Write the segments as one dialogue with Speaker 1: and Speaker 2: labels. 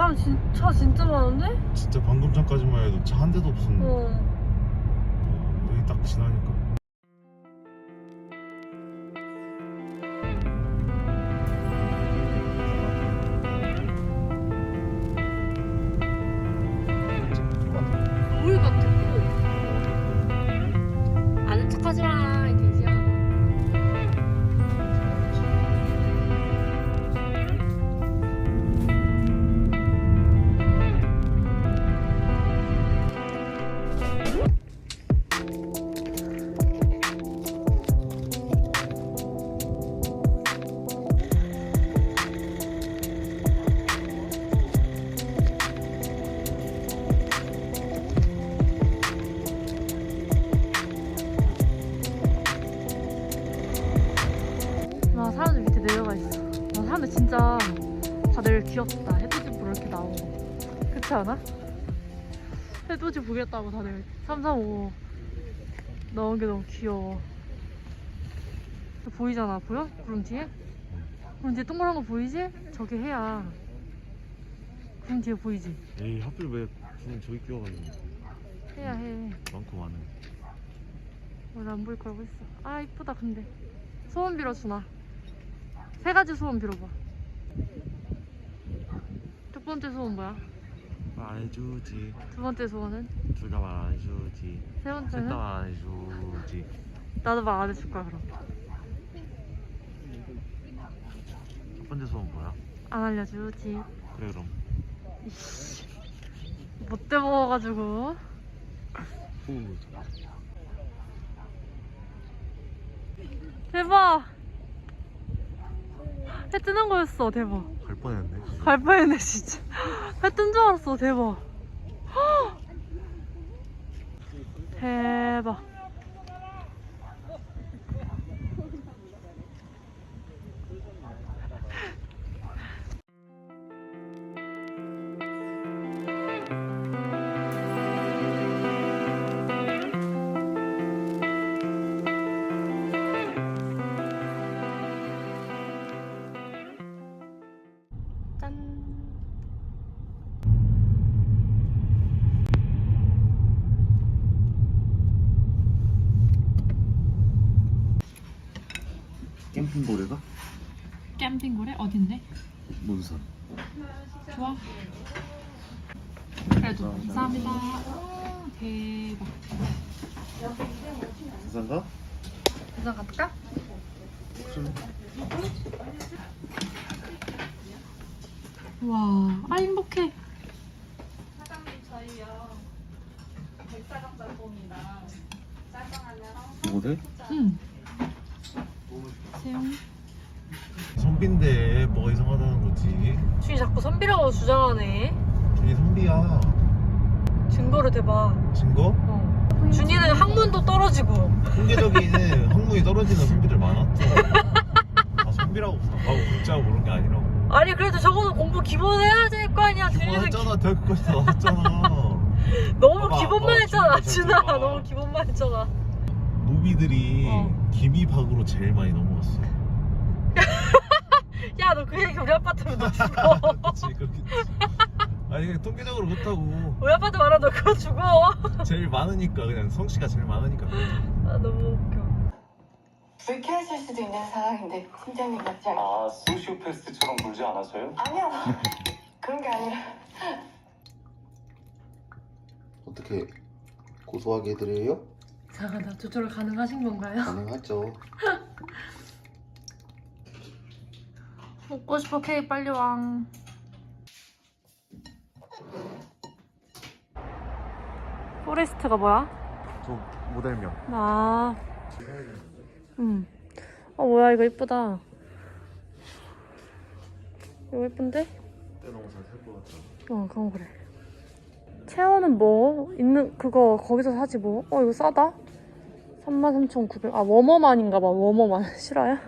Speaker 1: 차 진짜 많은데?
Speaker 2: 진짜 방금 전까지만 해도 차 한 대도 없었는데. 여기 딱 지나니까.
Speaker 1: 물 같아. 아는 척하지 마, 이 돼지야. 와, 사람들 밑에 내려가 있어. 와, 사람들 진짜 다들 귀엽다. 해돋이 보러 이렇게 나오고. 그렇지 않아? 해돋이 보겠다고 다들 335 나온 게 너무 귀여워. 보이잖아, 보여? 구름 뒤에? 구름 뒤에 동그란 거 보이지? 저게 해야. 구름 뒤에 보이지?
Speaker 2: 에이, 하필 왜 구름 저기 끼워가지고.
Speaker 1: 해야 해.
Speaker 2: 많고 많은.
Speaker 1: 원래 안 보일 거라고 했어. 아, 이쁘다. 근데 소원 빌어주나? 3가지 소원 빌어봐. 첫 번째 소원 뭐야?
Speaker 2: 말 안 해주지.
Speaker 1: 두 번째 소원은?
Speaker 2: 둘 다 말 안 해주지.
Speaker 1: 세 번째는?
Speaker 2: 셋 다 말 안 해주지.
Speaker 1: 나도 말 안 해줄 거야 그럼.
Speaker 2: 첫 번째 소원 뭐야?
Speaker 1: 안 알려주지.
Speaker 2: 그래 그럼.
Speaker 1: 이씨, 못돼 먹어가지고.
Speaker 2: 후.
Speaker 1: 대박. 해 뜨는 거였어. 대박.
Speaker 2: 갈 뻔했네.
Speaker 1: 갈 뻔했네 진짜. 해 뜬 줄 알았어. 대박. 대박. 짠.
Speaker 2: 캠핑고래가?
Speaker 1: 캠핑고래? 어딘데?
Speaker 2: 문산.
Speaker 1: 좋아. 그래도 감사합니다. 오, 대박.
Speaker 2: 부산가?
Speaker 1: 부산 갈까? 와, 아 행복해.
Speaker 3: 사장님 저희요 백사각 짬뽕이랑 짜장 하나랑
Speaker 2: 고래?
Speaker 1: 응. 세영.
Speaker 2: 선비인데 뭐가 이상하다는 거지.
Speaker 1: 준이 자꾸 선비라고 주장하네.
Speaker 2: 준이 선비야.
Speaker 1: 증거를 대봐.
Speaker 2: 증거?
Speaker 1: 어. 준이는 학문도 떨어지고.
Speaker 2: 통계적인 학문이 떨어지는 선비들 많았죠. 다 선비라고 하고 문자고 그런 게 아니라고.
Speaker 1: 아니 그래도 적어도 공부 기본 해야 될 거 아니야. 준이는
Speaker 2: 기본했잖아. 대학교까지 다 나왔잖아.
Speaker 1: 너무
Speaker 2: 봐봐,
Speaker 1: 기본만
Speaker 2: 봐봐,
Speaker 1: 했잖아.
Speaker 2: 준이가
Speaker 1: 준아
Speaker 2: 봐봐.
Speaker 1: 너무 기본만 했잖아.
Speaker 2: 노비들이
Speaker 1: 어.
Speaker 2: 기미박으로 제일 많이 넘어갔어.
Speaker 1: 야 너 그 얘기 우리 아빠한테 너 죽어.
Speaker 2: 그치 그렇겠지. 아니 그냥 통계적으로 그렇다고.
Speaker 1: 우리 아빠한테 말하면 너 그거 죽어.
Speaker 2: 제일 많으니까 그냥 성씨가 제일 많으니까.
Speaker 1: 아 너무 웃겨.
Speaker 4: 불쾌하실 수도 있는 상황인데 팀장님 맞지 않아요?
Speaker 5: 아, 소시오패스트처럼 굴지 않았어요?
Speaker 4: 아니요 그런 게 아니라
Speaker 6: 어떻게 고소하게 해드려요?
Speaker 1: 이상하다. 조절 가능하신 건가요?
Speaker 6: 가능하죠.
Speaker 1: 먹고 싶어. 케이크 빨리 왕. 포레스트가 뭐야?
Speaker 2: 저 모델명.
Speaker 1: 아, 뭐야 이거 이쁘다. 이거 예쁜데?
Speaker 2: 때 너무 잘 살 것 같아.
Speaker 1: 그건 그래. 체어는 뭐 있는 그거 거기서 사지 뭐. 이거 싸다. 33,900. 아 워머만인가 봐. 워머만 실화야?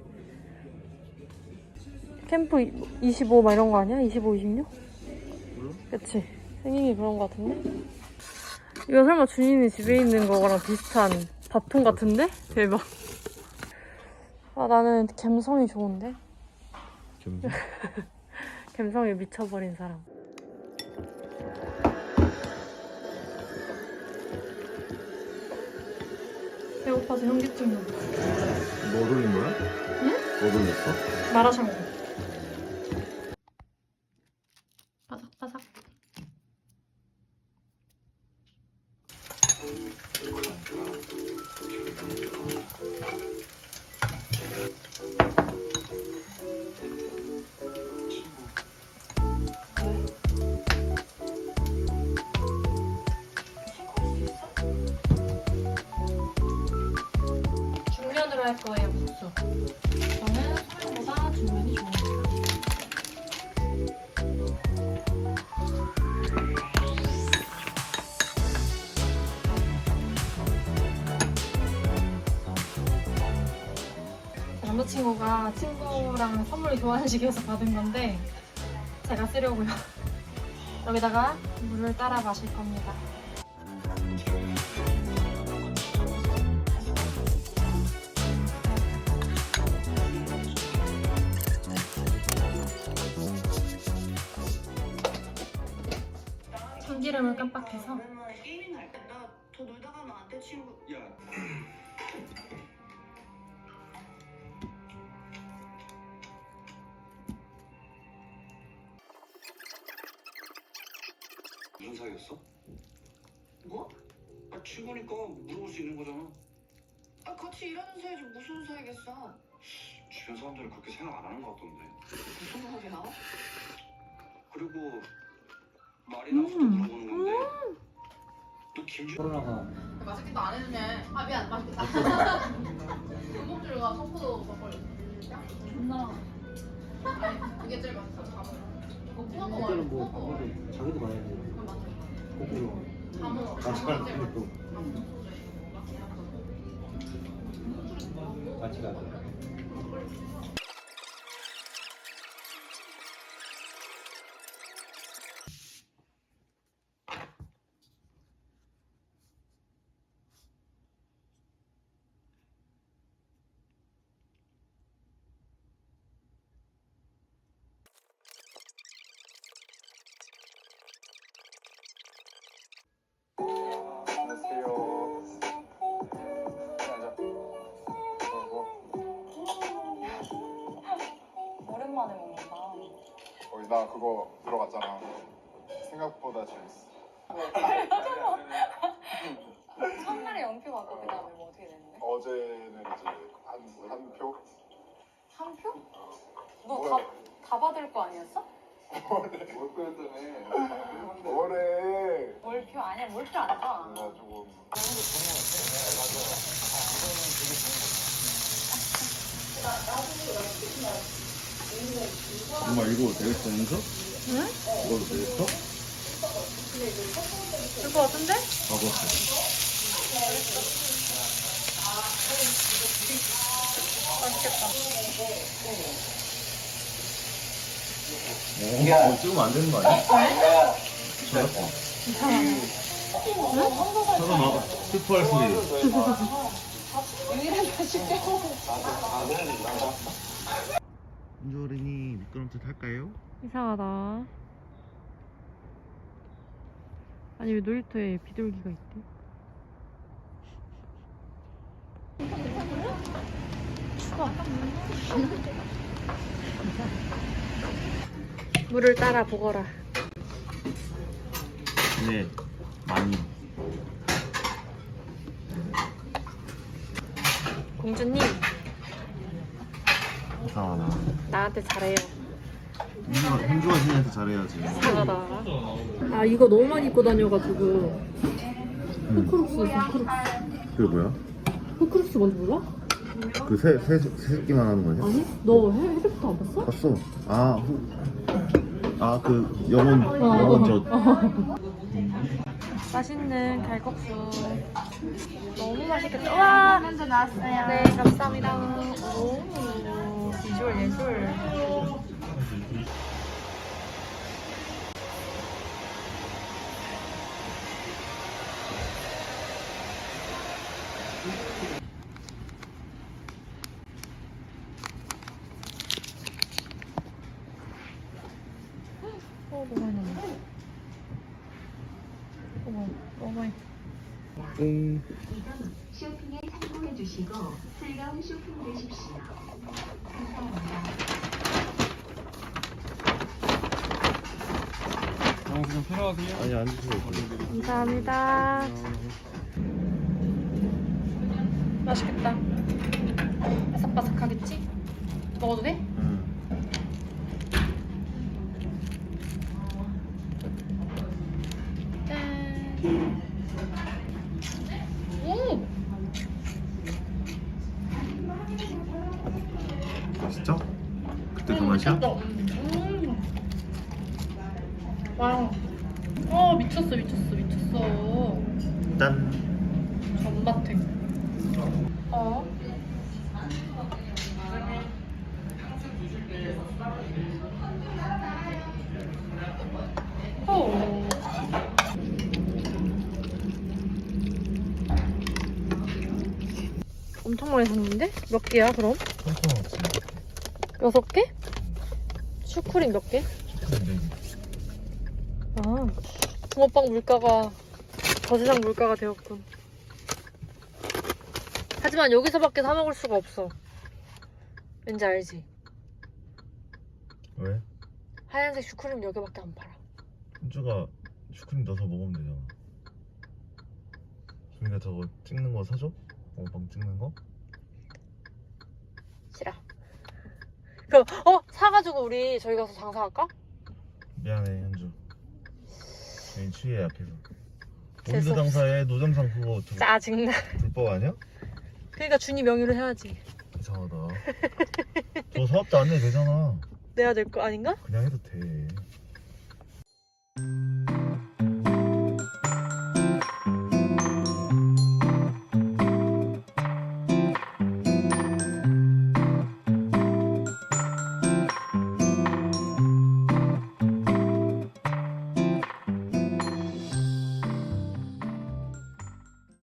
Speaker 1: 캠프 25 막 이런 거 아니야? 25, 26? 그치? 생긴 게 그런 거 같은데? 이거 설마 준이네 집에 있는 거랑 비슷한 밥통 같은데? 대박. 아 나는 감성이 좋은데?
Speaker 2: 겸손?
Speaker 1: 감성에 미쳐버린 사람. 배고파서 현기증 나.
Speaker 2: 뭐 돌린 거야?
Speaker 1: 응?
Speaker 2: 뭐 돌렸어?
Speaker 1: 마라샹궈. 바삭바삭. 중면으로 할 거예요, 국수. 저는 소면보다 중면이 좋습니다. 남자친구가 친구랑 선물 교환식에서 받은 건데 제가 쓰려고요. 여기다가 물을 따라 마실 겁니다. 참기름을 깜빡해서
Speaker 4: 게임이나 할때 나 더 놀다 가면 안 돼 친구.
Speaker 5: 야, 무슨 사이였어?
Speaker 4: 뭐?
Speaker 5: 아, 친구니까 물어볼 수 있는 거잖아.
Speaker 4: 아 같이 일하는 사이지 무슨 사이겠어.
Speaker 5: 주변 사람들은 그렇게 생각 안 하는 것 같던데.
Speaker 4: 무슨 말이야?
Speaker 5: 그리고 말이 나서도 물어보는 건데. 너 김주
Speaker 3: 맛있겠다 안 해주네. 아 미안 맛있겠다. 골목줄과 청포도 막걸리. 존나. 아니 그게 제일 맛있어. 이거 푸나꺼 말고 푸나꺼.
Speaker 6: 자기도 많이 해.
Speaker 3: 그럼 맞아.
Speaker 6: 거꾸로.
Speaker 3: 다 먹어.
Speaker 6: 같이 가자.
Speaker 7: 안녕하세요.
Speaker 4: 오랜만에 먹는다.
Speaker 7: 나 그거 들어갔잖아. 생각보다 재밌어.
Speaker 4: 첫날에 연표 받고 그다음에 뭐 어떻게 됐는데?
Speaker 7: 어제는 이제 한 표?
Speaker 4: 한 표?
Speaker 7: 뭐래?
Speaker 4: 너 다 받을 거 아니었어?
Speaker 7: 월표였다며. 뭐래?
Speaker 4: 월표 아니야, 월표 안 줘.
Speaker 7: 그래가지고
Speaker 2: 엄마 이거 되겠어, 연서? 응? 이걸로 되겠어?
Speaker 1: 될 것 같은데?
Speaker 2: 가봤어. 찍으면 안 되는 거 아니야? 잠깐만, 스포할 소리. 은주 어린이 미끄럼틀 탈까요?
Speaker 1: 이상하다. 아니 왜 놀이터에 비둘기가 있대? 추워. 물을 따라 보거라.
Speaker 2: 네, 많이.
Speaker 1: 공주님
Speaker 2: 이상하다.
Speaker 1: 나한테 잘해요.
Speaker 2: 현주가 신한테 잘해야지.
Speaker 1: 이상하다. 아 이거 너무 많이 입고 다녀가지고 호크룩스 있어. 호크룩스.
Speaker 2: 그게 뭐야?
Speaker 1: 호크룩스 뭔지 몰라?
Speaker 2: 그 새끼만 하는 거냐?
Speaker 1: 아니? 너 해리포터 안 봤어?
Speaker 2: 봤어. 그 영혼 젖.
Speaker 1: 맛있는 갈국수 너무 맛있겠다. 와 먼저 나왔어요. 네 감사합니다. 오 비주얼 예술. 너무 많이 남았어. 어머 너무 많이.
Speaker 2: 응.
Speaker 8: 쇼핑에 성공해 마시고 즐거운 쇼핑 되십시오.
Speaker 2: 영수 좀 필요하세요? 아니 안 주세요.
Speaker 1: 감사합니다. 맛있겠다. 바삭바삭하겠지? 먹어도 돼? 짠. 오!
Speaker 2: 진짜? 그때 그 맛이야?
Speaker 1: 미쳤다. 와. 미쳤어.
Speaker 2: 짠.
Speaker 1: 전마탱. 엄청 많이 샀는데? 몇 개야 그럼? 6개? 슈크림 몇 개? 아, 붕어빵 물가가 더 세상 물가가 되었군. 하지만 여기서밖에 사 먹을 수가 없어. 왠지 알지?
Speaker 2: 왜?
Speaker 1: 하얀색 슈크림 여기밖에 안 팔아.
Speaker 2: 현주가 슈크림 넣어서 먹으면 되잖아. 준이가 저거 찍는 거 사줘? 방 찍는 거?
Speaker 1: 싫어. 그럼 사가지고 우리 저기 가서 장사할까?
Speaker 2: 미안해 현주. 괜히 추위에 약해서.
Speaker 1: 재수
Speaker 2: 우리도 장사해. 노점상 그거 저거
Speaker 1: 짜증나.
Speaker 2: 불법 아니야?
Speaker 1: 그러니까 준이 명의로 해야지.
Speaker 2: 이상하다. 저 사업자 안 내도 되잖아.
Speaker 1: 내야 될 거 아닌가?
Speaker 2: 그냥 해도 돼.